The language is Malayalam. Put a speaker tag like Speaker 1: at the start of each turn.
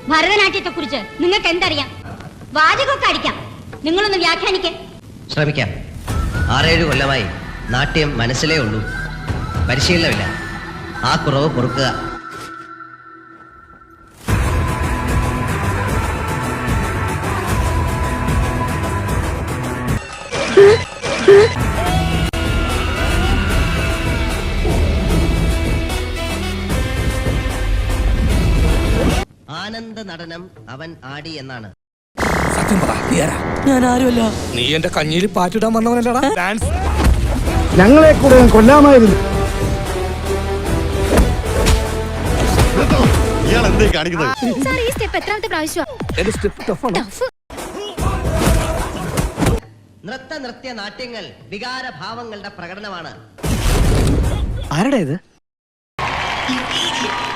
Speaker 1: ഭരതനാട്യത്തെ കുറിച്ച് നിങ്ങൾക്ക് എന്തറിയാം? വാചകമൊക്കെ അടിക്കാം, നിങ്ങളൊന്ന് വ്യാഖ്യാനിക്കേ.
Speaker 2: ശ്രമിക്കാം. 6-7 കൊല്ലമായി നാട്യം മനസ്സിലേ ഉള്ളൂ, പരിശീലനമില്ല. ആ കുറവ് പൊറുക്കുക. ആനന്ദ നടനം അവൻ ആടി എന്നാണ്.
Speaker 3: സത്യം പറ, ഞാൻ ആരുമല്ല. നീ എന്റെ കഞ്ഞിയിൽ പാറ്റിടാൻ വന്നവനല്ലടാ. ഡാൻസ്
Speaker 4: ഞങ്ങളെ കൂടെ കൊല്ലാമായിരുന്നു.
Speaker 2: നൃത്ത നാട്യങ്ങൾ വികാരഭാവങ്ങളുടെ പ്രകടനമാണ്.
Speaker 4: ആരുടെ ഇത്?